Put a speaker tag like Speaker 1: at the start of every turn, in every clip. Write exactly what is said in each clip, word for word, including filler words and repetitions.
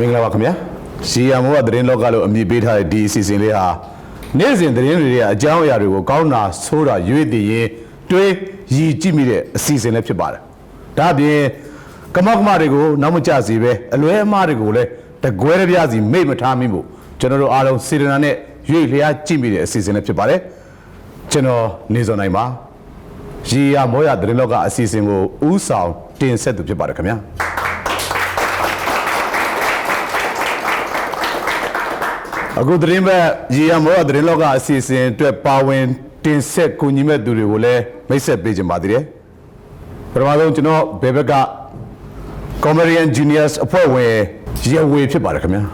Speaker 1: မင်္ဂလာပါခင်ဗျာစီယံမိုးကသတင်းလောကလို့အမည်ပေးထားတဲ့ဒီအစီအစဉ်လေးဟာနေ့စဉ်သတင်းတွေရဲ့အကြောင်းအရာတွေကိုကောင်းတာဆိုးတာရွေးတည်ရင်တွေးရည်ကြည့်မိတဲ့အစီအစဉ်လေးဖြစ်ပါတယ်ဒါအပြင်ကမောက်ကမတွေကိုနောက်မကျစေပဲအလွဲအမှားတွေကိုလည်းတကွဲတပြားစီမိတ်မထားမိဖို့ကျွန်တော်တို့အားလုံးစေတနာနဲ့ရွေးလျားကြည့်မိတဲ့အစီအစဉ်လေးဖြစ်ပါတယ်ကျွန်တော်နေစောနိုင်ပါရီယာမောရသတင်းလောကအစီအစဉ်ကိုဥဆောင်တင်ဆက်သူဖြစ်ပါတယ်ခင်ဗျာအခုသတင်းပဲရီယာမောရသတင်းလောကအစီအစဉ်အတွက်ပါဝင်တင်ဆက်ကူညီမဲ့သူတွေကိုလည်းမိတ်ဆက်ပေးကြပါသေးတယ်ပထမဆုံးကျွန်တော်ဘေဘက်က Comedian Genius အဖွဲ့ဝင်ရဝေဖြစ်ပါတယ်ခင်ဗျာ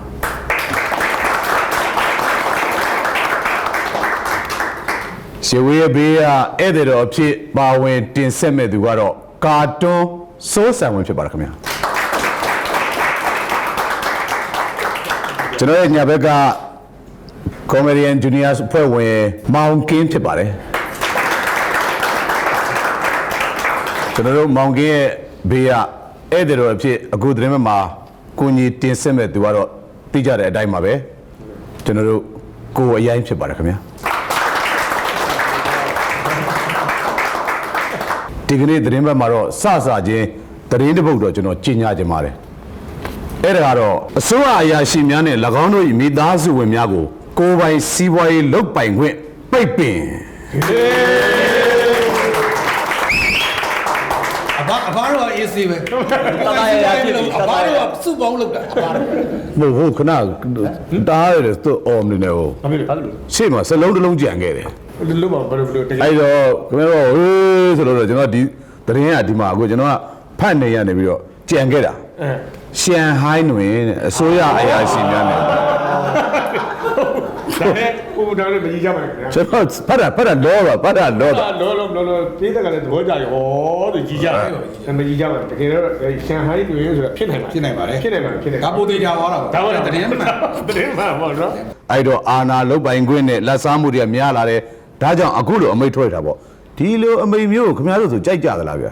Speaker 1: ရှေဝေးဘေးကဧည့်သည်တော်အဖြစ်ပါဝင်တင်ဆက်မဲ့သူကတော့ကာတွန်းစိုးစံဝင်ဖြစ်ပါတယ်ခင်ဗျာကျွန်တော်ရဲ့ညာဘက်က Comedian Juniors ဖွဲ့ဝင်မောင်ကင်းဖြစ်ပါတယ်ကျွန်တော်တို့မောင်ကင်းရဲ့ဘေးကဧည့်သည်တော်အဖြစ်အခုသတင်းမှာကိုကြီးတင်ဆက်မဲ့သူကတော့သိကြတဲ့အတိုင်းပါပဲကျွန်တော်တို့ကိုအရင်ဖြစ်ပါတယ်ခင်ဗျာဒီကနေ့သတင်းဘက်မှာတော့စစချင်းသတင်းတစ်ပုဒ်တော့ကျွန်တော်ကြီးညာခြင်းပါတယ်အဲ့ဒါကတော့အစိုးရအရာရှိများနဲ့၎င်းတို့၏မိသားစုဝင်များကိုကိုယ်ပိုင်စီးပွားရေးလုပ်ပိုင်ခွင့်ပိတ်ပင်
Speaker 2: အဘအဘတော့အေးစေးပဲတာတာရဖြစ်လို့အဘတော့စုပေါင်းလုပ်တာအဘ
Speaker 1: တော့ဟုတ်ခဏတားရတယ်သူ့အော်မနေဟုတ်ဘာဖြစ်လို့ရှေ့မှာစလုံးတစ်လုံးကြံခဲ့တယ်
Speaker 2: လို့ပါဘယ်လိုဘယ်လို
Speaker 1: အဲ့တော့ခင်ဗျားတို့ဟေးဆိုတော့ကျွန်တော်ဒီသတင်းကဒီမှာအခုကျွန်တော်ကဖတ်နေရနေပြီးတော့ကြံခဲ့တာရှန်ဟိုင်းတွင်အစိုးရအရာရှိများနဲ့
Speaker 2: ဒါနဲ့ဟိုဒါလည်းမကြီးကြပါနဲ့ခင်ဗျာ
Speaker 1: ကျွန်တော်ဖတ်တာဖတ်တာလောပါဖတ်တာလောတာ
Speaker 2: လောလောလောလောပြေးတဲ့ကလည်းသဘောကျရဟောသူကြီးကြတယ်မကြီးကြပါနဲ့တကယ်တော့ရှန်ဟိုင်းတွင်ဆိုတာဖြစ်နိုင်ပါ
Speaker 3: ဖြစ်နိုင်ပါတယ်
Speaker 2: ဖြစ်နိုင်ပါဖြစ်နိုင်
Speaker 3: ဒါပိုသေးကြသွားတာ
Speaker 2: ဒါပေါ့တရင်မှတရင်မှပေါ့နော်
Speaker 1: အဲ့တော့အာနာလုတ်ပိုင်ခွင့်နဲ့လက်စားမှုတွေကများလာတယ်ဒါကြောင့်အခုလိုအမိတ်ထွက်တာပေါ့ဒီလိုအမိတ်မျိုးခင်ဗျားတို့ဆိုကြိုက်ကြသလားဗျာ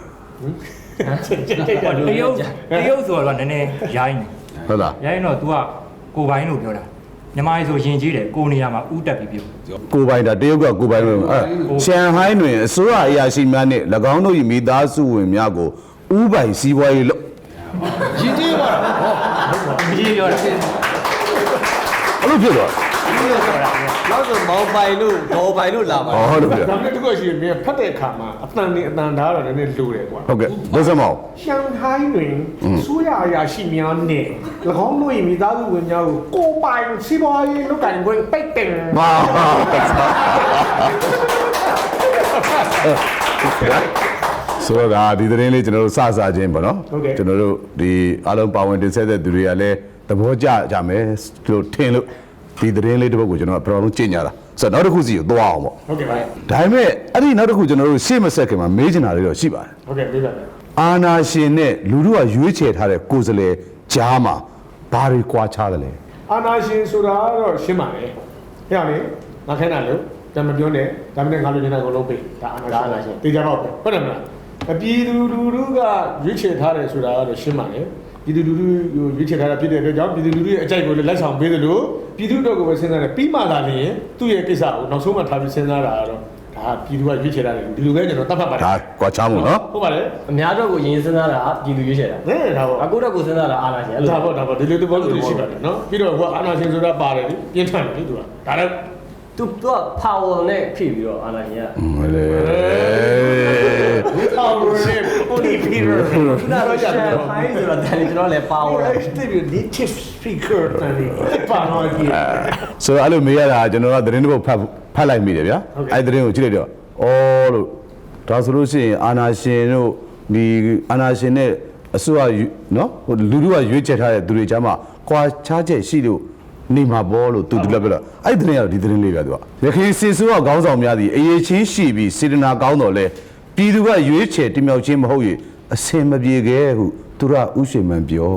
Speaker 4: တရုတ်တရုတ်ဆိုတော့နည်းနည်းရိုင်းနေ
Speaker 1: ဟုတ်လား
Speaker 4: ရိုင်းတော့ तू ကကိုပိုင်းလို့ပြောတာမြန်မာရေးဆိုရင်ကြီးတယ်ကိုနေရာမှာဥတက်ပြီးပြော
Speaker 1: ကိုပိုင်းဒါတရုတ်ကကိုပိုင်းလို့အဲရှန်ဟိုင်းတွင်အစိုးရအရာရှိများနဲ့၎င်းတို့၏မိသားစုဝင်များကိုဥပိုင်စီးပွားရေးလုပ်
Speaker 2: ရင်ကြီးပါတော့
Speaker 4: ဟုတ်ကြီးပြောတာ
Speaker 1: အဲ့လိုဖြစ်သွား
Speaker 3: နောက်ဆိုမောင်ပိုင်လို့ဘောပိုင်လို့လာပါ
Speaker 1: ဟုတ်လို့ပြ
Speaker 2: ဒါနဲ့တကွရှိရင်ဖတ်တဲ့အခါမှာအတန်နေအတန်ဓာတ်တော့နည်းနည်းလိုတယ်ကွာ
Speaker 1: ဟုတ်ကဲ့ဘယ်စမော
Speaker 2: ရှန်ဟိုင်းတွင်ဆိုရအရာရှိများနဲ့၎င်းတို့၏မိသားစုဝင်များကိုကိုပိုင်စီးပွားရေးလုပ်ကိုင်ခွင့်ပိတ်ပင်
Speaker 1: ဟာဆိုတော့ဒီသတင်းလေးကျွန်တော်တို့စစချင်းပေါ့နော်ကျွန်တော်တို့ဒီအားလုံးပါဝင်တင်ဆက်တဲ့သူတွေကလည်းသဘောကျကြမယ်လို့ထင်လို့ဒီသတင်းလေးတစ်ပုဒ်ကိုကျွန်တော်ပထမဆုံးကြင်ညာတာဆိုတော့နောက်တစ်ခုစီကိုသွားအောင်ပေါ့
Speaker 2: ဟုတ်ကဲ့ပါ
Speaker 1: ဒါပေမဲ့အဲ့ဒီနောက်တစ်ခုကျွန်တော်တို့ရှေ့မဆက်ခင်မှာမေးချင်တာလေးတော့ရှိပါတယ်
Speaker 2: ဟုတ်ကဲ့မေးပါမယ်
Speaker 1: အာနာရှင်နဲ့လူတို့ကရွေးချယ်ထားတဲ့ကိုယ်စားလှယ်ကြားမှာဘာတွေကွာခြားတယ်လဲ
Speaker 2: အာနာရှင်ဆိုတာတော့ရှင်းပါတယ်ဟဲ့လေငါခဲတာလို့တမပြောနဲ့ဒါပေမဲ့ငါလိုချင်တာကိုလုပ်ပေးဒါအာနာရှင်တေချာတော့ဟုတ်တယ်မလားအပြည်သူလူထုကရွေးချယ်ထားတယ်ဆိုတာကတော့ရှင်းပါတယ်ပြည်သူလူထုရွေးချယ်ထားတာဖြစ်တဲ့အတွက်ကြောင့်ပြည်သူလူထုရဲ့အကြိုက်ကိုလည်းလက်ဆောင်ပေးသလိုပြည်သူတို့ကိုပဲစဉ်းစားတယ်ပြီးမှသာလျှင်သူ့ရဲ့ကိစ္စကိုနောက်ဆုံးမှထားပြီးစဉ်းစားတာကတော့ဒါပြည်သူကရွေးချယ်ထားတယ်ဒီလိုပဲကျွန်တော်တတ်မှတ်ပါတယ်
Speaker 1: ဒါကွာခြားမှုနော်
Speaker 2: ဟုတ်ပါတယ်
Speaker 5: အများတော့ကိုရင်စဉ်းစားတာပြည်သူရွေးချယ်တာ
Speaker 2: ဟဲ့ဒါပေါ့
Speaker 5: အခုတော့ကိုစဉ်းစားတာအာဏာရှင်အဲ့လို
Speaker 2: ဒါပေါ့ဒါပေါ့ဒီလိုတဘောလို့ရှိပါတယ်နော်ပြီးတော့ဟိုအာဏာရှင်ဆိုတာပါတယ်ပြင်းထန်တယ်လေသူကဒါလည်း
Speaker 5: သူသူက power နဲ့ဖြည့်ပြီးတော့အာဏာရှင်က
Speaker 1: ဟုတ်လေ
Speaker 2: power နဲ့ပိုလီပီယာ
Speaker 5: သူကတော့ရှာဟိုင်းဆိုတော့ဒါလည်းကျွန်တော်လည်း power
Speaker 2: တဲ့ဒီ native speaker တဲ့ပါတော့ကြီး
Speaker 1: ဆိုတော့အဲ့လိုမေးရတာကျွန်တော်ကသတင်းတစ်ပုဒ်ဖတ်ဖတ်လိုက်မိတယ်ဗျာအဲ့သတင်းကိုကြည့်လိုက်တော့အော်လို့ဒါဆိုလို့ရှိရင်အာနာရှင်တို့ဒီအာနာရှင်နဲ့အစိုးရနော်ဟိုလူတို့ကရွေးချယ်ထားတဲ့သူတွေကြားမှာကွာခြားချက်ရှိလို့နေမှာပေါ်လို့သူတူလက်ပြလို့အဲ့ဒီသတင်းကတော့ဒီသတင်းလေးပဲသူကရခိုင်စေဆိုးကခေါင်းဆောင်များသည်အရေးချင်းရှိပြီးစေတနာကောင်းတော်လဲပြည်သူကရွေးချယ်တင်မြှောက်ခြင်းမဟုတ်၍အစင်မပြေခဲ့ဟုသူရဥရှိမှန်ပြော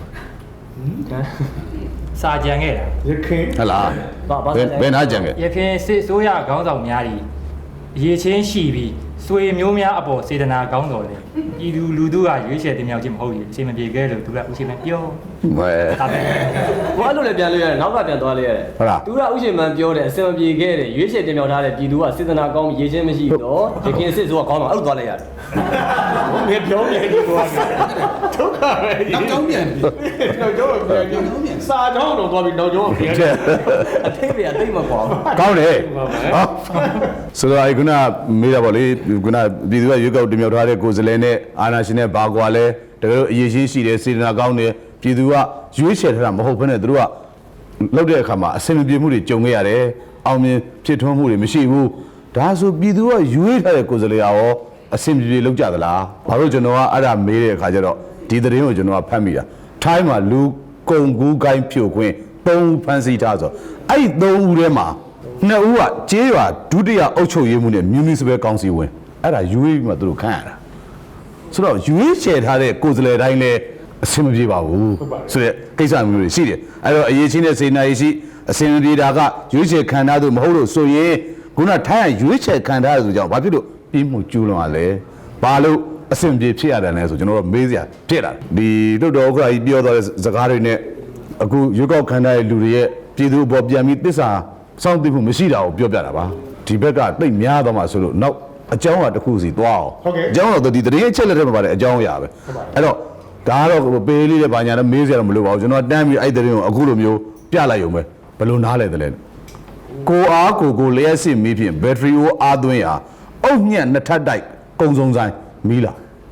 Speaker 4: စာကြံခဲ့တာ
Speaker 2: ရခိုင်
Speaker 1: ဟလားဘယ်ဘယ်နာကြံခဲ့
Speaker 4: ရခိုင်စစ်ဆိုးရခေါင်းဆောင်များသည်အရေးချင်းရှိပြီးဆွေမျိုးများအပေါ်စေတနာကောင်းတော်လေပြည်သူလူထုကရွေးချယ်တင်မြှောက်ခြင်းမဟုတ်ဘူးအချိန်မပြေခဲ့လို့သူကဦးရှင်မပြော
Speaker 1: ဝဲ
Speaker 4: ဒါပဲ
Speaker 5: ဘာလို့လဲပြန်လို့ရတယ်နောက်ကပြန်သွားလို့ရတယ်
Speaker 1: ဟုတ်လား
Speaker 5: သူကဥရှင်မန်ပြောတယ်အစင်မပြေခဲ့တယ်ရွေးချယ်တင်မြှောက်ထားတဲ့ပြည်သူကစေတနာကောင်းရေးချင်းမရှိတော့ရခင်စစ်ဆိုကကောင်းတော့အဲ့လိုသွားလိုက်ရတယ်
Speaker 2: မင်းပြောပြနေကွာဒုက္ခပဲ
Speaker 3: နောက်ကြောင်းပြန်ပြီ
Speaker 2: နောက်ကျောင်းပြန်ပြန်စာကျောင်းတော့သွားပြီးနောက်ကျောင်းပြန်
Speaker 5: အထိပ္ပယ်အသိမကွာ
Speaker 1: ကောင်းတယ်ဟောဆိုတော့အခုနမေးတာပေါ့လေခုနပြည်သူကရွေးကောက်တင်မြှောက်ထားတဲ့ကိုယ်စားလှယ်နဲ့အာဏာရှင်နဲ့ဘာကွာလဲတကယ်လို့အရေးရှိရှိတယ်စေတနာကောင်းတယ်ပြည်သူကရွေးချယ်ထားတာမဟုတ်ဘဲနဲ့သူတို့ကလောက်တဲ့အခါမှာအဆင်မပြေမှုတွေကြုံခဲ့ရတယ်အောင်မြင်ဖြစ်ထွန်းမှုတွေမရှိဘူးဒါဆိုပြည်သူကရွေးထားတဲ့ကိုယ်စားလှယ်ရောအဆင်ပြေပြေလောက်ကြသလားဘာလို့ကျွန်တော်ကအဲ့ဒါမေးတဲ့အခါကျတော့ဒီသတင်းကိုကျွန်တော်ကဖတ်မိတာထိုင်းမှာလူကုံကူးကိုင်းဖြိုခွင်းသုံးဦးဖမ်းဆီးထားဆိုအဲ့ဒီသုံးဦးထဲမှာနှစ်ဦးကကျေးရွာဒုတိယအုပ်ချုပ်ရေးမှုနဲ့ municipal council ဝင်အဲ့ဒါရွေးပြီးမှသူတို့ခန့်ရတာဆိုတော့ရွေးချယ်ထားတဲ့ကိုယ်စားလှယ်တိုင်းလည်းအဆင်မပြေပါဘူးဆိုတဲ့ကိစ္စမျိုးတွေရှိတယ်အဲ့တော့အရေးချင်းတဲ့စေနာရေးရှိအဆင်မပြေတာကရွေးချယ်ခံထားသူမဟုတ်လို့ဆိုရင်ခုနထိုင်းကရွေးချယ်ခံထားရဆိုကြောင့်ဘာဖြစ်လို့ပြီးမှုကျူးလွန်ရလဲဘာလို့အဆင်ပြေဖြစ်ရတယ်လဲဆိုကျွန်တော်တို့မေးစရာဖြစ်လာဒီတို့တော်ဥက္ကဋ္ဌကြီးပြောသွားတဲ့စကားတွေနဲ့အခုရွေးကောက်ခံထားတဲ့လူတွေရဲ့ပြည်သူ့ဘောပြန်ပြီးတစ္ဆာစောင့်သိမှုမရှိတာကိုပြောပြတာပါဒီဘက်ကတိတ်များတော့မှဆိုလို့နောက်အကြောင်းအရာတစ်ခုစီသွားအောင်အကြောင်းတော့ဒီတရင်အချက်လက်တွေမှာပါတယ်အကြောင်းအရာပဲအဲ့တော့ဒါကတော့ပေးလေးတဲ့ဘာညာတော့မေးစရာတော့မလိုပါဘူးကျွန်တော်တန်းပြီးအဲ့တရင်ကိုအခုလိုမျိုးပြလိုက်ရုံပဲဘယ်လိုနားလဲတယ်လဲကိုအားကိုကိုလျှက်စစ်မီးဖြင့်ဘက်ထရီကိုအားသွင်းရာအုတ်ညက်နှစ်ထပ်တိုက်ကုံစုံဆိုင်မီးလာ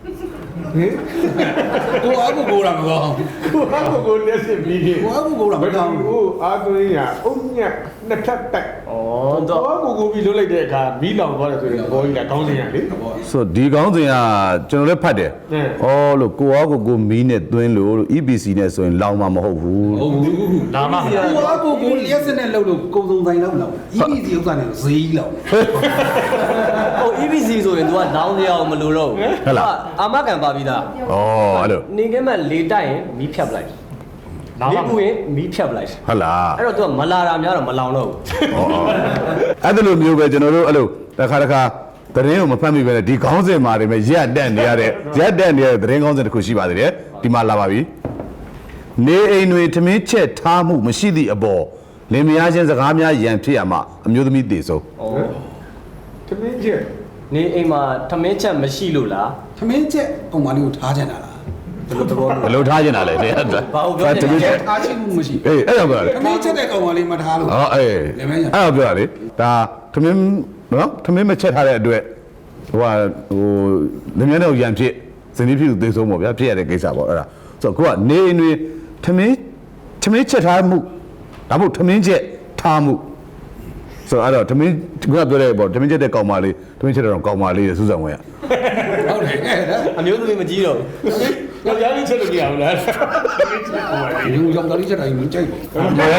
Speaker 3: ကိုအားကိုကိုလာမကောင်း
Speaker 2: ကိုဟာကိုလက်စစ်ပြီးပြီ
Speaker 3: ကိုအားကိုကိုလာမကောင်း
Speaker 2: ဟိုအာသွင်းရအုံညက်နှစ်ထပ်တိုက်
Speaker 5: ဩတော့
Speaker 2: ကိုဟာကိုကိုပြီးလွတ်လိုက်တဲ့အခါမီးလောင်သွားတယ်ဆိုရင်ဘောကြီးကကောင်းစင်ရလေ
Speaker 1: ဆိုဒီကောင်းစဉ်ကကျွန်တော်လည်းဖတ်တယ်ဩလို့ကိုအားကိုကိုမီးနဲ့သွင်းလို့လို့ E B C နဲ့ဆိုရင်လောင်မှာမဟုတ်ဘူး
Speaker 3: ဟုတ်ဘူး
Speaker 4: လာမှမလား
Speaker 3: ကိုအားကိုကိုလျှက်စနဲ့လှုပ်လို့ကုံစုံဆိုင်လောက်လောက် E B C ဥစ္စာနဲ့ဈေးကြီးလောက်
Speaker 5: ဟို E B C ဆိုရင် तू ကဒေါင်းတရားမလို့တော့အာမခံပါပြီးသား
Speaker 1: ဩအဲ့လို
Speaker 5: နေကဲမဲ့လေတိုက်ရင်မီးဖြတ်ပလိုက်
Speaker 4: လာ
Speaker 5: လေ
Speaker 4: မှမ
Speaker 5: ပူ
Speaker 4: လား
Speaker 5: ရင်မီးဖြတ်ပလိုက်
Speaker 1: ဟုတ်လား
Speaker 5: အဲ့တော့ तू ကမလာတာများတော့မလောင်တော့ဘူး
Speaker 1: အဲ့ဒါလိုမျိုးပဲကျွန်တော်တို့အဲ့လိုတစ်ခါတစ်ခါသတင်းကိုမဖတ်မိပဲနဲ့ဒီခေါင်းစဉ်မှာတွေမဲ့ရက်တက်နေရတဲ့ရက်တက်နေတဲ့သတင်းခေါင်းစဉ်တစ်ခုရှိပါသေးတယ်ဒီမှာလာပါပြီနေအိမ်တွေထမင်းချက်ထားမှုမရှိသည့်အပေါ်လင်မယားချင်းစကားများရန်ဖြစ်ရမှာအမျိုးသမီးတည်ဆုံး
Speaker 2: တမင်းချက်
Speaker 5: နေအိမ်မှာထမင်းချက်မရှိလို့လား
Speaker 3: သမင်းချက်ကောင်မလေးကိုထားချင်တာလား
Speaker 5: ဘယ်လိုသဘော
Speaker 1: ဘယ်လိုထားကျင်တာလဲတဲ့
Speaker 5: ဘာလို့ပြောနေ
Speaker 1: တမင်း
Speaker 5: လဲ
Speaker 1: ချက်
Speaker 3: ထားချင်မှုမရှိ
Speaker 1: အေးအဲ့ဒါပြောရလေ
Speaker 3: သမင်းချက်တဲ့ကောင်မလေးမထားလို့
Speaker 1: ဟောအေး
Speaker 3: လည်းမရ
Speaker 1: အဲ့ဒါပြောရလေဒါထမင်းနော်ထမင်းမချက်ထားတဲ့အတွက်ဟိုဟာဟိုလင်မယားနဲ့ရန်ဖြစ်ဇနီးဖြစ်သူတည်ဆုံးပေါ့ဗျာဖြစ်ရတဲ့ကိစ္စပေါ့အဲ့ဒါဆိုတော့ကိုကနေအိမ်တွေထမင်းထမင်းချက်ထားမှုဒါမှမဟုတ်ထမင်းချက်ထားမှုဆိုတော့အဲ့တော့ထမင်းကပြောတဲ့ပေါ့ထမင်းချက်တဲ့ကောင်မလေးထမင်းချက်တဲ့ကောင်မလေးစူးစံဝင်ရ
Speaker 3: ဟုတ်တယ်အဲ့ဒါ
Speaker 5: အမျိုးသမီးမကြီးတော့
Speaker 2: ယောက်ျားလေးချက်လို့မရဘူးလား
Speaker 3: လူကြောင့်တော်လေးချက်တိုင်းမကြိုက်ဘူး
Speaker 4: ဟုတ်တယ်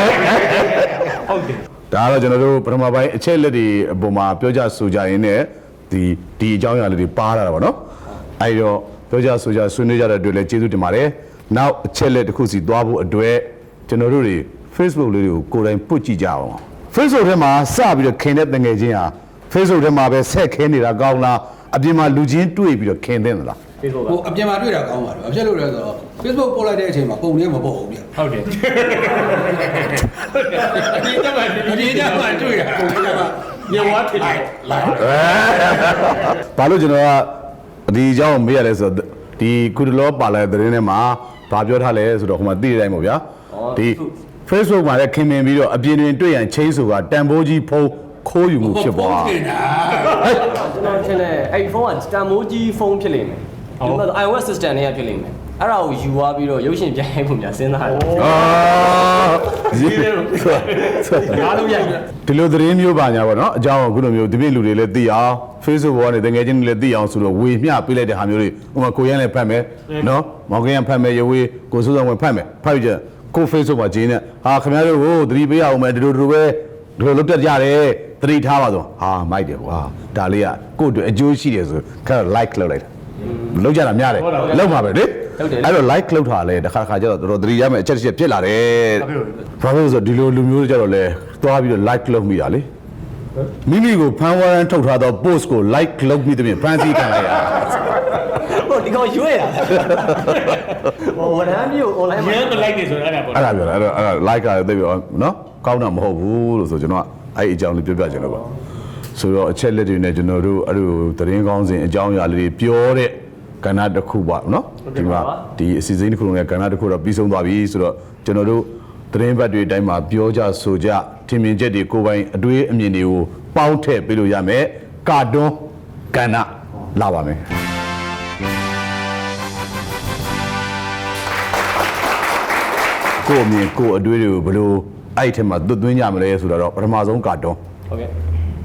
Speaker 1: ဒါကတော့ကျွန်တော်တို့ပထမပိုင်းအချက်လက်တွေအပေါ်မှာပြောကြဆိုကြရင်းနဲ့ဒီဒီအကြောင်းအရာလေးတွေပါလာတာပေါ့နော်အဲဒီတော့ပြောကြဆိုကြဆွေးနွေးကြတဲ့အတွက်လည်းကျေးဇူးတင်ပါတယ်နောက်အချက်လက်တစ်ခုစီသွားဖို့အတွက်ကျွန်တော်တို့တွေ Facebook လေးတွေကိုကိုယ်တိုင်ပုတ်ကြည့်ကြအောင် Facebook ထဲမှာစပြီးတော့ခင်တဲ့တငယ်ချင်းဟာ Facebook ထဲမှာပဲဆက်ခင်းနေတာကောင်းလားအပြင်မှာလူချင်းတွေ့ပြီးတော့ခင်တဲ့လား
Speaker 5: Facebook
Speaker 3: ဟိုအပြင်မှာတွေ့တာကောင်းပါတယ်ဘာဖြစ်လို့လဲဆိုတော့ Facebook ပို့လိုက်တဲ့အချိန်မှာပုံလေးမပေါ့ဘူးဗျ
Speaker 4: ဟုတ်တယ်
Speaker 2: ဒီကမှ
Speaker 3: အပြင်ကျမှတွေ့တာပုံလေးက
Speaker 2: ညဝါထင်တယ်
Speaker 3: လာ
Speaker 1: ဘာလို့ကျွန်တော်ကဒီအကြောင်းကိုမေးရတယ်ဆိုတော့ဒီကုတလောပါလာတဲ့သတင်းထဲမှာဘာပြောထားလဲဆိုတော့ဟိုမှာသိတဲ့အတိုင်းပေါ့ဗျာဒီ Facebook မှာလည်းခင်မင်ပြီးတော့အပြင်တွင်တွေ့ရန်ချင်းဆိုတာတန်ဖိုးကြီးဖုံးခိုးယူမှုဖြစ်ပွား
Speaker 3: တင်တာ
Speaker 5: ကျွန်တော်ထင်တယ်အဲ့ဖုန်းကတန်မိုးကြီးဖုန်းဖြစ်လိမ့်မယ်ဒီမှာ iOS system တွေကဖြစ်လိမ့်မယ်အဲ့ဒါကိုယူသွားပြီးတော့ရုပ်ရှင်ပြန်ရိုက်ဖို့များစဉ်းစားတယ်
Speaker 1: အာဒီ
Speaker 2: အားလုံးရိုက်တယ်
Speaker 1: ဒီလိုသတင်းမျိုးပါညာပေါ့နော်အကြောင်းကခုလိုမျိုးဒီပြည့်လူတွေလည်းသိအောင် Facebook ပေါ်ကနေတကယ်ချင်းတွေလည်းသိအောင်ဆိုတော့ဝေမျှပေးလိုက်တဲ့ဟာမျိုးတွေဥပမာကိုရန်လည်းဖတ်မယ်နော်မောင်ကရန်ဖတ်မယ်ရွေးကိုစိုးစောဝင်ဖတ်မယ်ဖတ်ပြီးကြကို Facebook မှာဂျင်းနဲ့ဟာခင်ဗျားတို့ကိုသတိပေးရအောင်မယ်ဒီလိုဒီလိုပဲဒီလိုလုပ်တတ်ကြတယ်သတိထားပါဆိုဟာမိုက်တယ်ကွာဒါလေးကကိုယ့်အတွက်အကျိုးရှိတယ်ဆိုခါ like လုပ်လိုက်တာလောက်ကြတာများတယ်လောက်မှာပဲလေအဲ့တော့ like လောက်ထားလဲတစ်ခါတစ်ခါကျတော့တော်တော်သတိရမယ်အချက်တစ်ချက်ဖြစ်လာတယ်ဘာလို့လဲဆိုတော့ဒီလိုလူမျိုးတွေကျတော့လဲသွားပြီးတော့ like လုပ်မိတာလေမိမိကိုဖန်ဝရန်ထုတ်ထားသော post ကို like လုပ်ပြီးတဲ့ပြင်ဖန်စီခံလိုက်ရ
Speaker 5: ဟိုဒီကောင်ရွေးရဟိုဝန်ထမ်းမျိုး online
Speaker 2: ရဲမလိုက်နေဆိုတော့အဲ့ဒါပေါ့
Speaker 1: အဲ့ဒါပြောတာအဲ့တော့အဲ့ဒါ like ကလည်းသိပြီနော်ကောင်းတာမဟုတ်ဘူးလို့ဆိုကျွန်တော်ကအဲ့အကြောင်းလေးပြောပြချင်လို့ပါဆိုတော့အချက်လက်တွေနဲ့ကျွန်တော်တို့အဲ့လိုသတင်းကောင်းစဉ်အကြောင်းအရာလေးတွေပြောတဲ့ကဏ္ဍတစ်ခုပါနော်ဒီမှာဒီအစီအစဉ်တစ်ခုလုံးရဲ့ကဏ္ဍတစ်ခုတော့ပြီးဆုံးသွားပြီဆိုတော့ကျွန်တော်တို့သတင်းဘက်တွေအတိုင်းမှာပြောကြဆိုကြထင်မြင်ချက်တွေကိုယ်ပိုင်အတွေးအမြင်တွေကိုပေါင်းထည့်ပေးလို့ရမယ်ကာတွန်းကဏ္ဍလာပါမယ်ကိုအမြင်ကိုအတွေးတွေကိုဘယ်လိုအဲ့ထက်မှာသွတ်သွင်းကြမလဲဆိုတော့ပထမဆုံးကာတွန်း
Speaker 5: ဟုတ်ကဲ့ဩ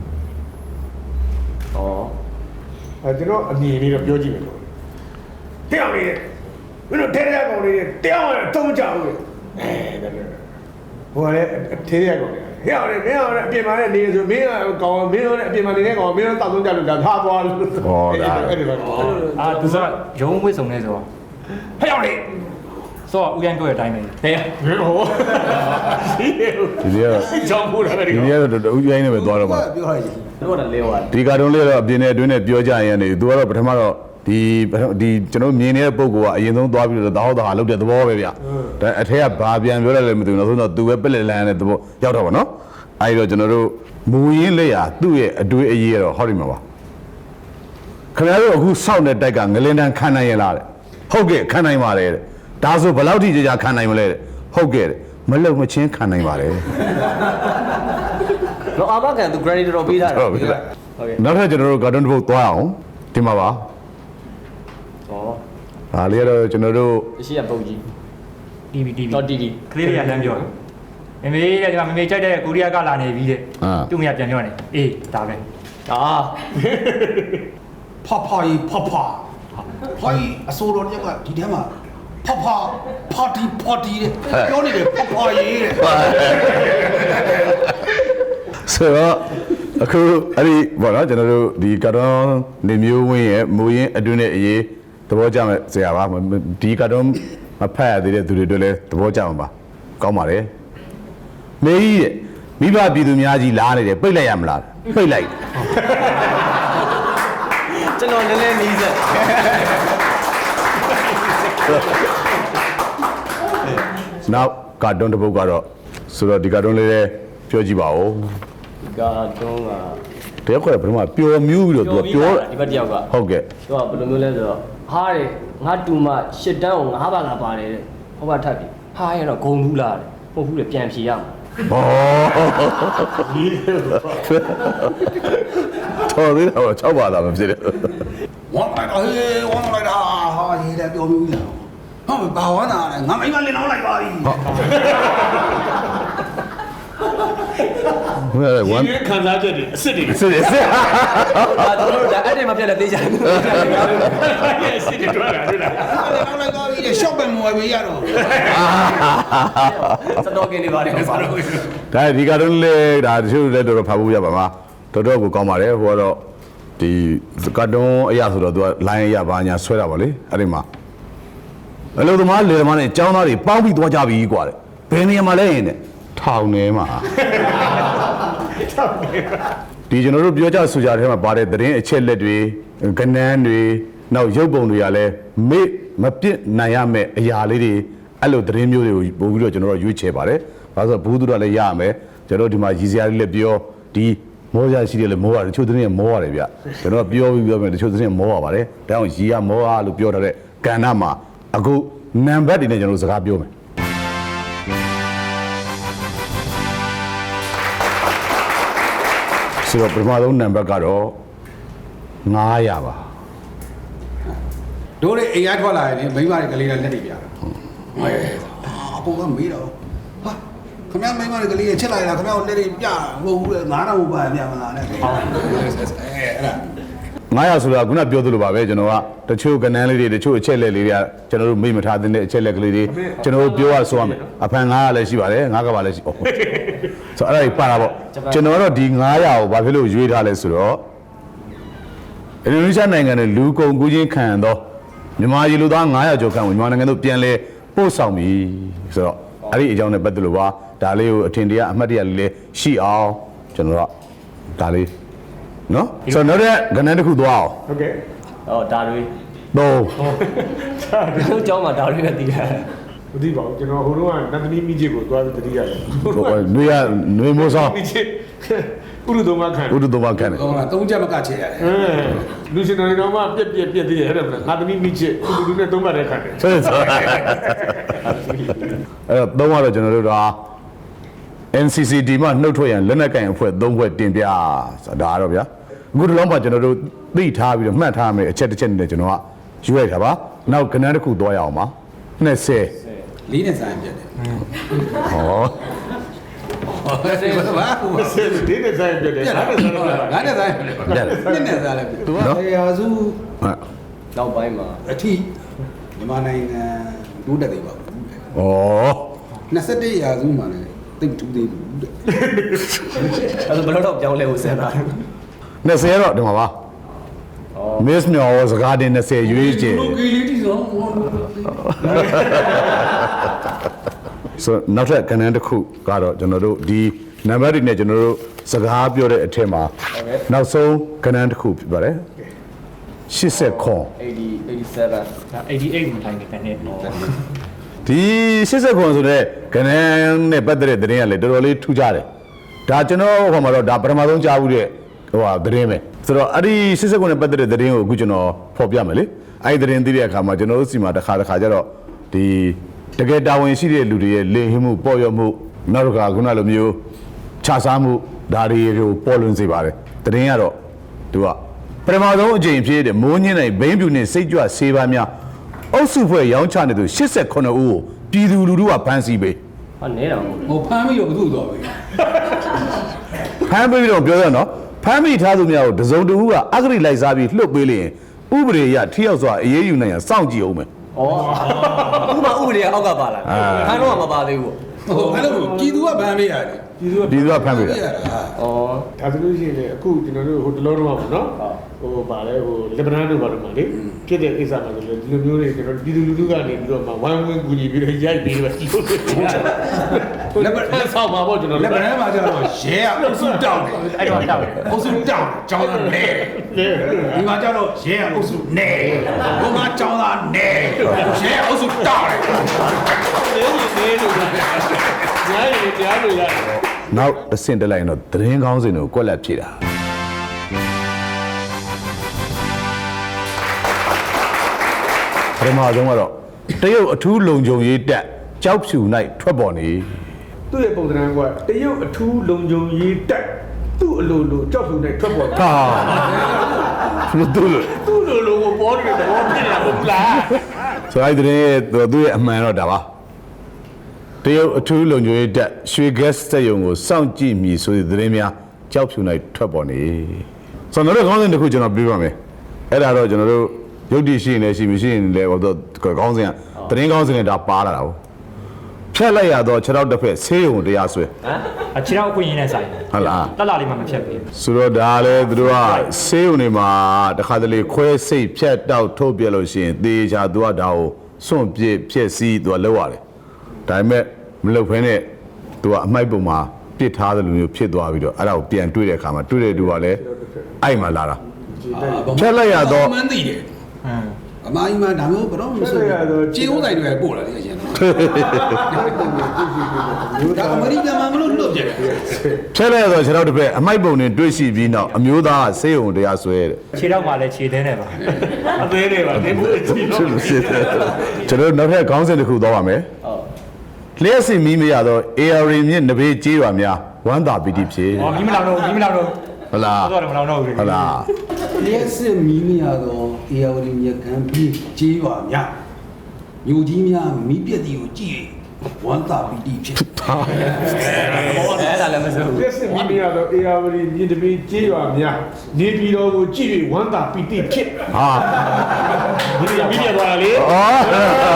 Speaker 2: အဲကျွန်တော်အမြင်လေးတော့ပြောကြည့်မယ်လို့တရားလေးမင်းတို့ထဲထဲကောင်လေးတရားဝင်တုံးကြဘူးလေအဲဒါဟိုကလည်းထဲထဲကောင်လေးဟဲ့အောင်လေမင်းအောင်လေအပြင်မှာလည်းနေဆိုမင်းကောင်မင်းတို့လည်းအပြင်မှာနေတဲ့ကောင်မင်းတို့တောက်သုံးကြလို့ဒါထားသွားလို့ဟောဒါအဲ့ဒီတော့
Speaker 4: အာသူဆိုရုံးဝစ်စုံနေဆိုတော့ဟဲ့အောင်လေဆိုတော့ဦးရန်ပြောတဲ့အတိုင်းပဲဟဲ့
Speaker 2: ဟိုဒီ
Speaker 1: ဒီနေ့ကတော့
Speaker 2: ကြောင့်ပို့တာပဲဒီ
Speaker 1: ဒီ
Speaker 2: ကောင်
Speaker 1: နေ့ကတော့ဦးရိုင်းနေပဲသွားတော့မှာ
Speaker 3: ပြောလိုက်ကြည့်
Speaker 5: တို့ကလည်းလဲသွား
Speaker 1: ဒီကာတွန်းလေးတော့အပြင်နဲ့အတွင်းနဲ့ပြောကြရင်နေသူကတော့ပထမတော့ဒီဒီကျွန်တော်မြင်နေတဲ့ပုံကအရင်ဆုံးသွားပြီးတော့တဟောက်တဟာလောက်တဲ့သဘောပဲဗျဒါအထက်ကဘာပြန်ပြောရလဲမသိဘူးနောက်ဆုံးတော့သူပဲပက်လက်လန်းတဲ့သဘောရောက်တော့ဗောနော်အဲဒီတော့ကျွန်တော်တို့မူရင်းလက်ရာသူ့ရဲ့အတွေးအရေးကတော့ဟောဒီမှာပါခင်ဗျားတို့အခုစောင့်တဲ့တိုက်ကငလင်တန်းခံနိုင်ရလားတဲ့ဟုတ်ကဲ့ခံနိုင်ပါတယ်တဲ့ဒါဆိုဘယ်လောက်ထိကြာကြာခံနိုင်မလဲတဲ့ဟုတ်ကဲ့တဲ့မလုံမချင်းခံနိုင်ပါတယ်
Speaker 5: တော့အာမခံသူ credit တော့ပေးထားတယ်
Speaker 1: ဟုတ်ပြီ
Speaker 5: ဟုတ်ကဲ့
Speaker 1: နောက်ထပ်ကျွန်တော်တို့ကာတွန်းတစ်ပုဒ်သွားအောင်ဒီမှာပါ
Speaker 5: ဩ
Speaker 1: ဒါလေးကတော့ကျွန်တော်တို့
Speaker 5: အရှိရပုံကြီး
Speaker 4: တီဗီတီဗီ
Speaker 5: တော့တီတီ
Speaker 4: ကလေးတွေကလမ်းပြောတယ်မမေတဲ့ဒီမှာမမေကြိုက်တဲ့ကိုရီးယားကလာနေပြီတဲ့သူ့မရပြန်ပြောနေအေးဒါပဲ
Speaker 5: အာ
Speaker 3: ဖဖကြီးဖဖဟိုင်းအစိုးရတက်ကဒီထဲမှာဖဖပါတီပါတီတဲ့ပြောနေတယ်ဖဖကြီးတဲ့
Speaker 1: ဆိုတော့အခုအဲ့ဒီဘောနော်ကျွန်တော်တို့ဒီကာတွန်းနေမျိုးဝင်းရဲ့မူရင်းအတွင်းနဲ့အရေးသဘောကျမဲ့ဆရာပါဒီကာတွန်းမဖတ်ရသေးတဲ့သူတွေတို့လည်းသဘောကျမှာပါကောင်းပါတယ်မေကြီးတဲ့မိဘပြည်သူများကြီးလားနေတယ်ပိတ်လိုက်ရမလားပိတ်လိုက်
Speaker 5: ကျွန်တော်လည်းလည်းနီးစက်
Speaker 1: နောက်ကာတွန်းတစ်ပုဒ်ကတော့ဆိုတော့ဒီကာတွန်းလေးလည်းပြောကြည့်ပါဦး
Speaker 5: ကာတွန်းက
Speaker 1: တယောက်ကလည်းဘယ်မှာပျော်မြူးပြီးတော့သူကပြော
Speaker 5: ဒီဘက်တယောက်က
Speaker 1: ဟုတ်ကဲ့
Speaker 5: သူကဘယ်လိုမျိုးလဲဆိုတော့ဟားတယ်ငါတူမရှစ်တန်းကိုငါးပါးလာပါတယ်တဲ့ဟောပါထပ်ပြီဟားရတော့ဂုံဘူးလားတဲ့ဟုတ်ဘူးလေပြန်ဖြေရမှာ
Speaker 1: ဘောတော်သေးတော့၆ပါးသာမဖြစ်တယ်
Speaker 3: ဝမ်းလိုက်တော့ဟေးဝမ်းလိုက်တာဟာရေးတယ်ပြောမျိုးကြီးဟုတ်ပြီဘာဝမ်းတာလဲငါမိမလင်းအောင်လိုက်ပါပြီ
Speaker 1: ဟုတ်ရတယ်ဝမ်း
Speaker 2: ဒီခံစားချက်တွေအစ်စ်တွေ
Speaker 1: စစ်စစ်စစ်
Speaker 5: အာကျွန်တော်တို့ဒါအဲ့ဒီမှာပြက်လက်သေးချင်တယ်
Speaker 2: အစ်စ်တွေတွေ့လာတွေ့လာ
Speaker 3: လင်းအောင်လိုက်ပါပြီတဲ့ရှော့ပဲမွယ်ပေးရတော့
Speaker 5: စတော့ကင်းနေပါတယ်ဆိုတော့
Speaker 1: ဒါဒီကတော့လေဒါတချို့လည်းတော်တော်ဖတ်ဖို့ရပါမှာတော်တော်ကိုကောင်းပါတယ်ဟိုကတော့ဒီကာတွန်းအရာဆိုတော့သူက line အရာဘာညာဆွဲတာပါလေအဲ့ဒီမှာအလို့သမားလေသမားနဲ့အကြောင်းသားတွေပေါင်းပြီးသွားကြပြီကွာတဲ့ဘယ်နေရာမှာလဲရင်တဲ့ထောင်ထဲမှာဒီကျွန်တော်တို့ပြောကြဆိုကြတဲ့ထဲမှာပါတဲ့သတင်းအချက်လက်တွေကဏန်းတွေနောက်ရုပ်ပုံတွေကလည်းမေ့မပြစ်နိုင်ရမယ့်အရာလေးတွေအဲ့လိုသတင်းမျိုးတွေကိုပို့ပြီးတော့ကျွန်တော်တို့ရွေးချယ်ပါတယ်။ဘာလို့ဆိုဘူးသူတို့လည်းရရမယ်ကျွန်တော်တို့ဒီမှာရည်စရာလေးလည်းပြောဒီမောရရှိတယ်လည်းမောရတယ်တချို့သတင်းကမောရတယ်ဗျ။ကျွန်တော်ပြောပြီးပြောမယ်တချို့သတင်းမောရပါတယ်။ဒါကြောင့်ရည်ရမောရလို့ပြောထားတဲ့ကဏ္ဍမှာအခုနံပါတ်တွေနဲ့ကျွန်တော်တို့စကားပြောမယ်။ဆိုတော့ပထမဆုံးနံပါတ်ကတော့န၅၀၀ပါ
Speaker 3: တို့လေအိမ်ရထွက်လာရင်မိမတွေကလေးနဲ့လက်တွေပြတာဟဲ့အပေါ်ကမေးတော့ဟာခမရမိမတွေကလေးချက်လိုက်တာခမရလက်တွေပြမဟုတ်ဘူးလေငါးတော့ဘာပြမလားနဲ့အဲ့ဒါ
Speaker 1: န၅၀၀ဆိုတာခုနပြောသလိုပါပဲကျွန်တော်ကတချို့ကဏ္ဍလေးတွေတချို့အချက်လက်လေးတွေကကျွန်တော်တို့မိမထားတဲ့အချက်လက်ကလေးတွေကျွန်တော်တို့ပြောရဆိုရမယ်အဖန်၅၀၀လည်းရှိပါတယ်၅ကဘာလည်းရှိဟုတ်ဆိုအဲ့ဒါကြီးပါတာပေါ့ကျွန်တော်ကတော့ဒီ၅၀၀ကိုဘာဖြစ်လို့ရွေးထားလဲဆိုတော့အင်ဒိုနီးရှားနိုင်ငံနဲ့လူကုန်ကူးခြင်းခံတော့မြန်မာပြည်လူသား၅၀၀ကျော်ခန့်ကိုမြန်မာနိုင်ငံတို့ပြန်လဲပို့ဆောင်ပြီဆိုတော့အဲ့ဒီအကြောင်းနဲ့ပတ်သက်လို့ပါဒါလေးကိုအထင်တရားအမှတ်တရလေးလေးရှိအောင်ကျွန်တော်ကဒါလေးနော်ဆိုတော့နောက်တဲ့ကဏ္ဍတစ်ခုသွားအောင်
Speaker 2: ဟုတ်ကဲ့
Speaker 5: ဟောဒါတွေ
Speaker 1: သုံး
Speaker 5: တို့เจ้าမှာဒါတွေပဲတည်တယ်
Speaker 2: မသိပါဘူးကျွန်တော်ဟိုတုန်းကနတ်သမီးမိချစ်ကိုသွားပြီးတတိရတယ်
Speaker 1: နွေရနွေမိုးဆောင်
Speaker 2: မိချစ်ဥရုသုံးပါခံ
Speaker 1: ဥဒ္ဒသမခံတယ်
Speaker 3: ဟိုကသုံးချက်မကချေရတယ်
Speaker 2: အဲလူရှင်တော်တော်မှပြက်ပြက်ပြက်သေးတယ်အဲ့ဒါငါသမီးမိချစ်ဥရုနဲ့သုံးပါတဲ့ခံတယ်
Speaker 1: ဆိုဆိုအဲ့တော့သုံးရတော့ကျွန်တော်တို့က N C C D မှာနှုတ်ထွက်ရန်လက်နက်ကင်အဖွဲ့သုံးဖွဲ့တင်ပြဆိုတာဒါတော့ဗျာအခုဒီလောက်မှကျွန်တော်တို့သိထားပြီးတော့မှတ်ထားမယ်အချက်တစ်ချက်နဲ့ကျွန်တော်ကယူလိုက်တာပါနောက်ကဏ္ဍတစ်ခုသွားရအောင်ပါနှစ်ဆယ်
Speaker 3: လေးနဲ့ဆိုင်ပြတ်တယ်
Speaker 1: ဟော
Speaker 3: ဟောဆေးဘာဘာ
Speaker 2: ဆယ်ဒီနဲ့ဆိုင်ပြက်တယ်
Speaker 3: ပြတ်
Speaker 2: ငါ
Speaker 3: တယ်
Speaker 2: နဲ့ဆိုင်ပြက်
Speaker 3: ငါနဲ့ဆိုင်ပြတ်တယ်နှစ်နဲ့ဆိုင်လည်းသူကရာစု
Speaker 5: နောက်ပိုင်းမှာ
Speaker 3: အထိမြန်မာနိုင်ငံဒုတက်သေးပါဘူး
Speaker 1: ဩ
Speaker 3: နှစ်ဆယ့်တစ်ရာစုမှာလည်းတိတ်ထူးသေးဘူးတဲ့
Speaker 5: အဲ့ဒါဘယ်တော့ပြောင်းလဲဖို့စဉ်းစားတယ်
Speaker 1: နှစ်ဆယ်တော့ဒီမှာပါ Miss မြော်စကားတင်နှစ်ဆယ်ရွေးချယ်
Speaker 3: လူကြီးလေးတီဆောင်
Speaker 1: ဆိုနောက်ထပ်ကဏ္ဍတစ်ခုကတော့ကျွန်တော်တို့ဒီနံပါတ်တွေနဲ့ကျွန်တော်တို့စကားပြောတဲ့အထက်မှာနောက်ဆုံးကဏ္ဍတစ်ခုဖြစ်ပါတယ်ရှစ်ဆက်ခွန်
Speaker 5: eighty eighty-seven
Speaker 4: ဒါeighty-eightမတိုင်ခင်တနေ့ပေါ့
Speaker 1: ဒီရှစ်ဆက်ခွန်ဆိုတဲ့ကဏ္ဍနဲ့ပတ်သက်တဲ့သတင်းကလည်းတော်တော်လေးထူးခြားတယ်ဒါကျွန်တော်ဟိုမှာတော့ဒါပထမဆုံးကြားဘူးတဲ့ဟိုဟာသတင်းပဲဆိုတော့အဲ့ဒီရှစ်ဆက်ခွန်နဲ့ပတ်သက်တဲ့သတင်းကိုအခုကျွန်တော်ဖော်ပြမယ်လေအဲ့ဒီသတင်းသိတဲ့အခါမှာကျွန်တော်တို့စီမှာတစ်ခါတစ်ခါကျတော့ဒီတကယ်တာဝန်ရှိတဲ့လူတွေရဲ့လင်ဟင်းမှုပေါ်ရမှုနောက်တစ်ခါခုနလိုမျိုးခြားစားမှုဒါတွေကိုပေါ်လွင်စေပါတယ်သတင်းကတော့သူကပထမဆုံးအကြိမ်ဖြစ်တဲ့မိုးညင်းနိုင်ဘိန်းပြူနဲ့စိတ်ကြွဆေးပါးများအုပ်စုဖွဲ့ရောင်းချနေသူ၈၈ဦးကိုပြည်သူလူထုကဖမ်းဆီးပေး
Speaker 5: ဟာနဲတာမဟုတ်
Speaker 3: ဟိုဖမ်းပြီးတော့ဘုသူ့သွားပြီ
Speaker 1: ဖမ်းပေးပြီးတော့ပြောရနော်ဖမ်းမိထားသူများကိုတစုံတဦးကအဂရိလိုက်စားပြီးလှုပ်ပေးလျင်ဥပဒေအရထိရောက်စွာအေးအေးယူနိုင်ရန်စောင့်ကြည့်အောင်မယ်
Speaker 5: ဩဥပမာဥပဒေအောက်ကပါလာခန်းတော့မပါသေးဘူး
Speaker 3: ဟိုအဲ့လိုပြည်သူကဗန်းပေးရတယ်
Speaker 2: ပြည်သူက
Speaker 1: ပြည်သူကဖမ်းပေးတာ
Speaker 3: ရတာ
Speaker 5: ဩ
Speaker 2: ဒါဆိုလို့ရှိရင်လေအခုကျွန်တော်တို့ဟိုတလုံးတော့ပါနော်ဟိုဗာလဲဟိုလက်ဗနန်တို့ဘာလို့မှလေဖြစ်တဲ့အိစ္ဆာမှာဆိုလို့ဒီလိုမျိုးတွေကျွန်တော်ပြည်သူလူထုကနေပြီးတော့မှဝိုင်းဝန်းကူညီပြီးတော့ရိုက်ပြီးတော့ဒီလိုလက်ဗနန်ဆောက်မှာပေါ့ကျွန်တော်
Speaker 3: လက်ဗနန်းမှာကျတော့ရဲကအုပ်စုတောင်းတယ်
Speaker 4: အဲ့တော့တောက်တယ်
Speaker 3: အုပ်စုတောင်းကျောင်းသားနဲဒီမှာကျတော့ရဲကအုပ်စုနဲဘုံကကျောင်းသားနဲရဲအုပ်စုတောင်းတယ်
Speaker 2: နေနေလို့ညာရည်တရားလို့ရတယ်
Speaker 1: နောက်တစ်ဆင့်တက်လိုက်ရင်တော့သတင်းကောင်းစင်တွေကိုကွက်လက်ဖြည့်တာပထမဆုံးကတော့တရုတ်အထူးလုံခြုံရေးတပ်ကြောက်ဖြူ၌ထွက်ပေါ်နေ
Speaker 2: သူ့ရဲ့ပုံသဏ္ဍာန်ကတရုတ်အထူးလုံခြုံရေးတက်သူ့အလိုလိုကြောက်ဖြူနဲ့ထွက်ပေါ်
Speaker 1: ဟာဘယ်သူလဲ
Speaker 2: သူ့လိုလိုကိုပေါ်နေတဲ့သဘောဖြစ်နေတာဟုတ်လား
Speaker 1: ဆိုလိုက်တဲ့ရဲ့သူ့ရဲ့အမှန်တော့ဒါပါတရုတ်အထူးလုံခြုံရေးတပ်ရွှေဂက်စက်ယုံကိုစောင့်ကြည့်မိဆိုတဲ့သတင်းများကြောက်ဖြူ၌ထွက်ပေါ်နေဆိုတော့ခေါင်းစဉ်တစ်ခုကျွန်တော်ပြောပါမယ်အဲ့ဒါတော့ကျွန်တော်တို့ရုပ်တည်ရှိနေရှိမရှိနေလဲဟိုတော့ခေါင်းစဉ်ကသတင်းခေါင်းစဉ်နဲ့ဒါပါလာတာဟုတ်ဖြတ်လိုက်ရတော့ခြေထောက်တစ်ဖက်ဆေးရုံတရားဆွဲ
Speaker 5: ဟမ်
Speaker 4: အချီတော့အခွင့်အရေးနဲ့ဆိုင်
Speaker 1: ဟုတ်လား
Speaker 4: တက်လာလေးမှမဖြတ်ဘူး
Speaker 1: ဆိုတော့ဒါလည်းသူတို့ကဆေးရုံတွေမှာတခါတလေခွဲစိတ်ဖြတ်တောက်ထုတ်ပြလို့ရှိရင်သေချာသူကဒါကိုစွန့်ပစ်ဖြစ်စီသူကလောက်ရတယ်ဒါပေမဲ့မလုပ်ဖဲနဲ့သူကအမိုက်ပုံမှာပစ်ထားတဲ့လူမျိုးဖြစ်သွားပြီးတော့အဲ့ဒါကိုပြန်တွေးတဲ့အခါမှာတွေးတဲ့သူကလည်းအဲ့မှာလာတာဖြတ်လိုက်ရတော့
Speaker 3: မှန်းသိတယ်
Speaker 4: ဟမ်
Speaker 3: အမကြီးမှဒါမျိုးဘယ်တော့မှမဆိုကြေးဥဆိုင်တွေပို့လာတယ်အရင်တော့ဒါအမေရိကန်မှာမလို့လွတ်ပြတယ်
Speaker 1: ဖြတ်လိုက်ရတော့ခြေထောက်တစ်ဖက်အမိုက်ပုံနဲ့တွေးရှိပြီးနောက်အမျိုးသားကဆေးရုံတရားဆွဲတဲ့
Speaker 4: ခြေတော့မှလည်းခြေသေးနေပါ
Speaker 2: အသေးလေးပါဒီလိုကြည့်တော့
Speaker 1: ကျွန်တော်နောက်ထပ်ခေါင်းစဉ်တစ်ခုသွားပါမယ်လျှက်စီမီးမရတော့ A R မြင့်နဘေးကြေးရွာများဝမ်းသာပီတိဖြစ်
Speaker 4: ဟောမီးမလောင်တော့မီးမလောင်တော့
Speaker 1: ဟုတ်လား
Speaker 4: တော့မလောင်တော့ဘူး
Speaker 1: ဟုတ်လား
Speaker 3: လျက်စစ်မီးမရတော့အေယာဝတီမြကမ်းပြီးကြေးရွာများမြို့ကြီးများမီးပြက်တီကိုကြည့်ဝမ်းသာပီတိဖြစ်
Speaker 5: ဟောအဲ့ဒါလည်းမစိုးဘူး
Speaker 2: လက်စစ်မိမိရတော့အေယာဝတီမြင့်တပင်းကြေးရွာများနေပြည်တော်ကိုကြည့်ပြီးဝမ်းသာပီတိဖြစ်
Speaker 1: ဟာ
Speaker 2: ဒီရပြီးပြသွားတာလေ
Speaker 1: အော်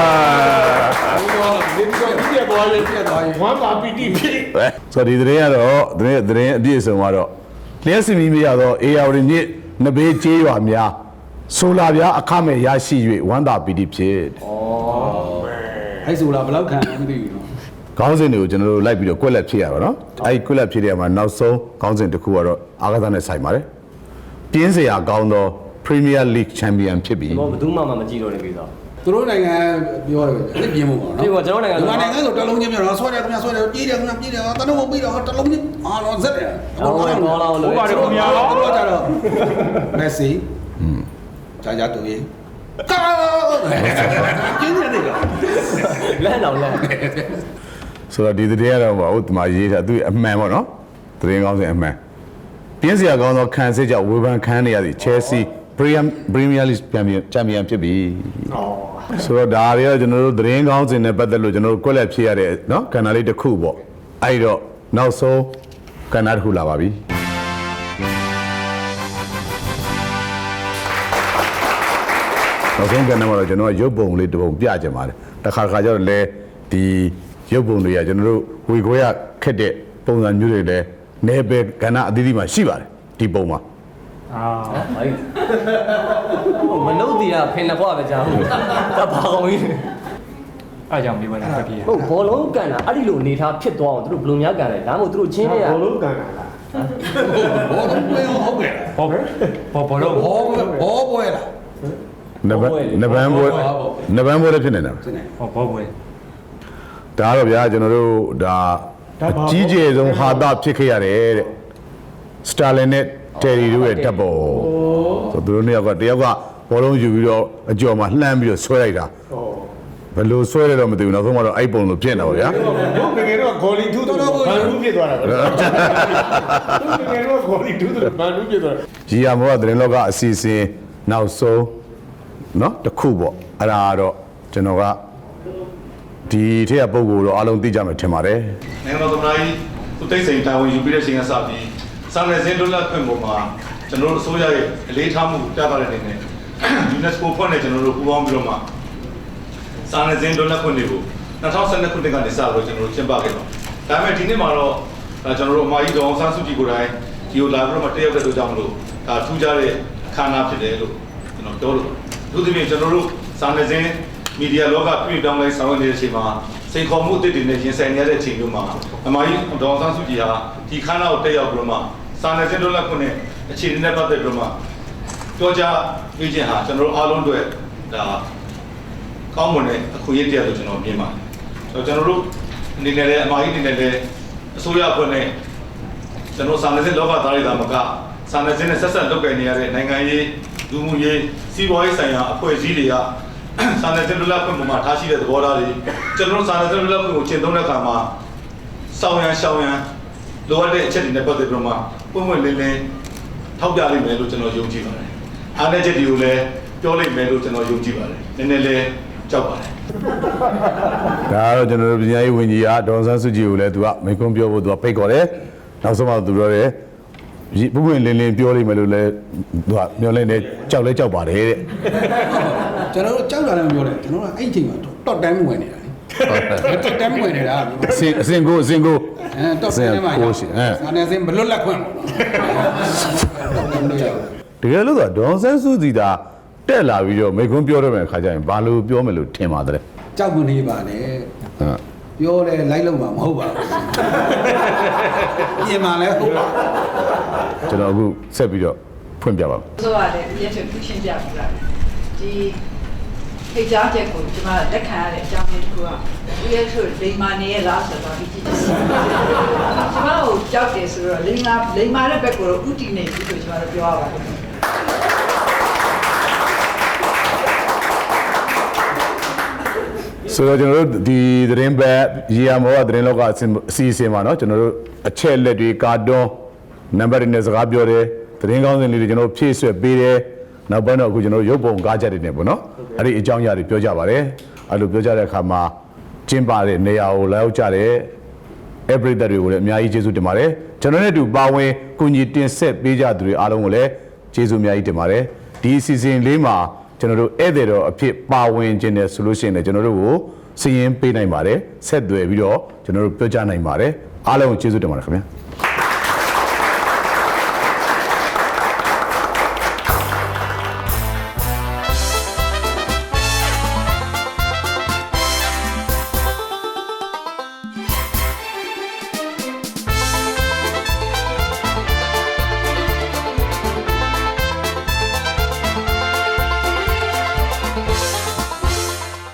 Speaker 2: ဒီတော့ဒီပြသွားရင်ပြသွားရင်ဝမ်းသာပီတိဖြစ်
Speaker 1: ဆိုတော့ဒီသတင်းကတော့သတင်းသတင်းအပြည့်အစုံကတော့လျှက်စီမီးမရတော့ A R မြင့်နဘေးကြေးရွာများဆိုလာပြားအခမဲ့ရရှိ၍ဝမ်းသာပီတိဖြစ်
Speaker 3: အဲ့ဆိုလားဘယ်လောက်ခံမသိဘူးနော်
Speaker 1: ခေါင်းစဉ်တွေကိုကျွန်တော်တို့လိုက်ပြီးတော့ကွက်လက်ဖြည့်ရပါတော့အဲ့ဒီကွက်လက်ဖြည့်တဲ့မှာနောက်ဆုံးခေါင်းစဉ်တစ်ခုကတော့အာဂါသနဲ့ဆိုင်ပါတယ်ပြင်းစရာကောင်းသော Premier League Champion ဖြစ်ပြီ
Speaker 5: ဘောဘယ်သူမှမကြည့်တော့တဲ့ကိစ္စ
Speaker 3: သူတို့နိုင်ငံပြောတယ်အစ်ပြင်းမှုပေါ့နော်
Speaker 5: ဒီကကျွန်တော်နိုင်ငံ
Speaker 3: ဒီနိုင်ငံဆိုတလုံးချင်းပြောတော့ဆွဲတယ်ခင်ဗျာဆွဲတယ်ပြေးတယ်ခင်ဗျာပြေးတယ်တလုံးမပြီးတော့တလုံးချင်းအာတော့ဇက်တယ်
Speaker 5: ဟောတော့လာလို့
Speaker 4: ဟုတ်ပါတယ်ခင်ဗျာ
Speaker 3: သူတို့ကြတော့မက်ဆီอืมဂျာဂျာတူရေးကာကျင်းနေတယ်က
Speaker 5: လမ်းတော့လမ်း
Speaker 1: ဆိုတော့ဒီသတင်းကတော့ဘာဟုတ်ဒီမှာရေးထားသူအမှန်ပေါ့နော်သတင်းကောင်းစင်အမှန်ပြင်းစရာကောင်းသောခံစစ်ကြောင့်ဝေဖန်ခံနေရသည့် Chelsea Premier League Champion Champion ဖြစ်ပြီဆိုတော့ဒါတွေကကျွန်တော်တို့သတင်းကောင်းစင်နဲ့ပတ်သက်လို့ကျွန်တော်တို့ကွက်လက်ဖြည့်ရတဲ့နော်ကဏ္ဍလေးတစ်ခုပေါ့အဲ့တော့နောက်ဆုံးကဏ္ဍတစ်ခုလာပါပြီနောက်ဆုံးကဏ္ဍမှာတော့ကျွန်တော်ကရုပ်ပုံလေးတစ်ပုံပြချင်ပါတယ်တခါခါကျတော့လေဒီရုပ်ပုံတွေကကျွန်တော်တို့ဝေခွဲရခက်တဲ့ပုံစံမျိုးတွေလည်းနေပဲကဏ္ဍအသီးသီးမှာရှိပါတယ်ဒီပုံမှာ
Speaker 4: အာ
Speaker 5: မနှုတ်တရားဖင်နှခွပဲကြားဟုတ်ဒါဘာကောင်းကြီး
Speaker 4: အားကြောင့်မိဘနဲ့တက်ပြေး
Speaker 5: ဟုတ်ဘောလုံးကန်တာအဲ့ဒီလိုအနေထားဖြစ်သွားအောင်သူတို့ဘယ်လိုများကန်လဲဒါမှမဟုတ်သူတို့ချင်းတွေက
Speaker 2: ဘောလုံးကန်တာလား
Speaker 3: ဘောတော့ပွဲဟုတ်ကဲ့
Speaker 4: ဘောဘောဘောလုံး
Speaker 3: ဘောဘောပွဲလား
Speaker 1: နဗနဗန်ဘွဲနဗန်ဘွဲလည်းဖြစ်နေတာ
Speaker 3: စနေ
Speaker 4: ဟောဘောပွဲ
Speaker 1: ဒါတော့ဗျာကျွန်တော်တို့ဒါအကြီးကျယ်ဆုံးဟာတာဖြစ်ခဲ့ရတယ်တဲ့စတာလင်နဲ့တယ်ရီတို့ရဲ့တပ်ပေါ်ဆိုသူတို့နှစ်ယောက်ကတယောက်ကဘောလုံးယူပြီးတော့အကျော်မှာလှမ်းပြီးတော့ဆွဲလိုက်တာဘယ်လိုဆွဲလဲတော့မသိဘူးနောက်ဆုံးတော့အဲ့ပုံလိုဖြစ်နေတာပေါ့ဗျာ
Speaker 2: တို့ငယ်တော့ဂေါ်လီထူးတူဘန်လူးဖြစ်သွားတာပဲတို့ငယ်တော့ဂေါ်လီထူးတူဘန်လူးဖြစ်သွားတာ
Speaker 1: ဂျီယာမောကသတင်းလောကအစီအစဉ်နောက်ဆုံးเนาะတစ်ခုပေါ့အဲ့ဒါကတော့ကျွန်တော်ကဒီထက်ကပုံကိုတော့အားလုံးသိကြမယ်ထင်ပါတယ်
Speaker 6: နိုင်ငံတော်သမ္မတကြီးသူတိတ်ဆိန်တာဝန်ယူပြီးတဲ့ချိန်ကစပြီးစာနယ်ဇင်းလွတ်လပ်ခွင့်ပုံမှာကျွန်တော်တို့အစိုးရရဲ့အလေးထားမှုပြသတဲ့အနေနဲ့ UNESCO ဖွဲ့နဲ့ကျွန်တော်တို့ပူးပေါင်းပြီးတော့မှစာနယ်ဇင်းလွတ်လပ်ခွင့်တွေကို၂၀၁၂ခုနှစ်ကနေစပြီးကျွန်တော်တို့ကျင်းပခဲ့ပါဒါပေမဲ့ဒီနှစ်မှာတော့ကျွန်တော်တို့အမကြီးဒေါအောင်ဆန်းစုကြည်ကိုယ်တိုင်ဒီကိုလာပြီးတော့မှတက်ရောက်တဲ့အတွက်ကြောင့်မလို့ဒါထူးခြားတဲ့အခမ်းအနားဖြစ်တယ်လို့ကျွန်တော်ပြောလို့သူတို့ပြင်ကျွန်တော်တို့စာနယ်ဇင်းမီဒီယာလောကပြည်ပြောင်းလဲဆောင်ရွက်နေတဲ့အချိန်မှာစိန်ခေါ်မှုအသစ်တွေနဲ့ရင်ဆိုင်နေရတဲ့အချိန်မျိုးမှာအမကြီးဒေါအောင်ဆန်းစုကြည်ဟာဒီခမ်းနားကိုတက်ရောက်ပြီးတော့မှစာနယ်ဇင်းလွတ်လပ်ခွင့်နဲ့အခြေအနေနဲ့ပတ်သက်ပြီးတော့မှပြောကြားပြခြင်းဟာကျွန်တော်တို့အားလုံးအတွက်ဒါကောင်းမွန်တဲ့အခွင့်အရေးတရားလို့ကျွန်တော်မြင်ပါတယ်ကျွန်တော်တို့အနေနဲ့လည်းအမကြီးအနေနဲ့လည်းအစိုးရအဖွဲ့နဲ့ကျွန်တော်စာနယ်ဇင်းလောကသားတွေသာမကစာနယ်ဇင်းနဲ့ဆက်ဆက်လုပ်ကိုင်နေရတဲ့နိုင်ငံရေးလူမှုရေးစီးပွားရေးဆိုင်ရာအဖွဲ့အစည်းတွေကစာနယ်ဇင်းလွတ်လပ်ခွင့်ပုံမှာထားရှိတဲ့သဘောထားတွေကျွန်တော်တို့စာနယ်ဇင်းလွတ်လပ်ခွင့်ကိုကျင့်သုံးတဲ့အခါမှာစောင်းရန်ရှောင်းရန်လိုအပ်တဲ့အချက်တွေနဲ့ပတ်သက်ပြီးမှပုံမှန်လင်းလင်းထောက်ပြလိမ့်မယ်လို့ကျွန်တော်ယုံကြည်ပါတယ်။အားနည်းချက်တွေကိုလည်းပြောလိမ့်မယ်လို့ကျွန်တော်ယုံကြည်ပါတယ်။နည်းနည်းလေးကြောက်ပါတယ်
Speaker 1: ဒါကတော့ကျွန်တော်တို့ပညာရေးဝန်ကြီးကဒေါ်ဆန်းစုကြည်ကိုလည်းသူကမိန့်ခွန်းပြောဖို့သူကဖိတ်ခေါ်တယ်နောက်ဆုံးမှသူပြောတယ်ပုဂ္ဂိုလ်လင်းလင်းပြောလိမ့်မယ်လို့လည်းသူကမျှော်လင့်နေကြောက်လဲကြောက်ပါတယ်တဲ့
Speaker 3: ကျွန်တော်တို့ကြောက်တာလည်းမပြောနဲ့ကျွန်တော်ကအဲ့အချိန်မှာတော့တန်းဝင်နေတာလေတော့တန်းဝင်နေတာ
Speaker 1: အစင်အစင်ကိုအစင်ကို
Speaker 3: အဲတော့တန်းမှာရစာနယ်ဇင်းမလွတ်လပ်ခွင့်ပေါ့နော်
Speaker 1: တကယ်လို့ဆိုဒေါ်ဆန်းစုကြည်သာတက်လာပြီးတော့မိန့်ခွန်းပြောရမယ့်အခါကျရင်ဘာလို့ပြောမယ်လို့ထင်ပါတယ်
Speaker 3: ကြောက်မနေပါနဲ့
Speaker 1: ဟုတ်
Speaker 3: ပြောလဲလိုက်လို့မှာမဟုတ်ပါဘူးပြင်မှာလဲဟုတ်ပါ
Speaker 1: ကျွန်တော်အခုဆက်ပြီးတော့ဖွင့်ပြပါမယ်
Speaker 7: ဆိုရတယ်ဦးရဲ့ဆိုသူရှင်းပြပြတာဒီခေတ်ကြားချက်ကိုကျွန်မလက်ခံရတဲ့အကြောင်းလေးတစ်ခုကဦးရဲ့ဆိုလိမ္မာနေရလားဆိုတော့ဒီကြည့်ကျွန်မကိုကြောက်တယ်ဆိုတော့လိမ္မာလိမ္မာတဲ့ဘက်ကိုတော့ဥတီနေပြီဆိုကျွန်တော်တို့ပြောရပါတယ်
Speaker 1: ဆိုတော့ကျွန်တော်တို့ဒီသတင်းပဲရီယာမောကသတင်းလောကအစီအစဉ်မှာเนาะကျွန်တော်တို့အချက်လက်တွေကာတွန်းနံပါတ်တွေနဲ့စကားပြောတယ်သတင်းကောင်းစင်လေးတွေကျွန်တော်ဖြည့်ဆွက်ပေးတယ်နောက်ပိုင်းတော့အခုကျွန်တော်တို့ရုပ်ပုံကားချက်တွေနဲ့ပေါ့နော်အဲ့ဒီအကြောင်းအရာတွေပြောကြပါတယ်အဲ့လိုပြောကြတဲ့အခါမှာကျင်းပတဲ့နေရာကိုလာရောက်ကြတဲ့ everyday တွေကိုလည်းအများကြီးကျေးဇူးတင်ပါတယ်ကျွန်တော်နဲ့အတူပါဝင်ကူညီတင်ဆက်ပေးကြသူတွေအားလုံးကိုလည်းကျေးဇူးအများကြီးတင်ပါတယ်ဒီအစီအစဉ်လေးမှာကျွန်တော်တို့ဧည့်သည်တော်အဖြစ်ပါဝင်ခြင်းနဲ့ဆိုလို့ရှိရင်လည်းကျွန်တော်တို့ကိုစီရင်ပေးနိုင်ပါတယ်ဆက်သွယ်ပြီးတော့ကျွန်တော်တို့ပြောကြနိုင်ပါတယ်အားလုံးကိုကျေးဇူးတင်ပါတယ်ခင်ဗျာ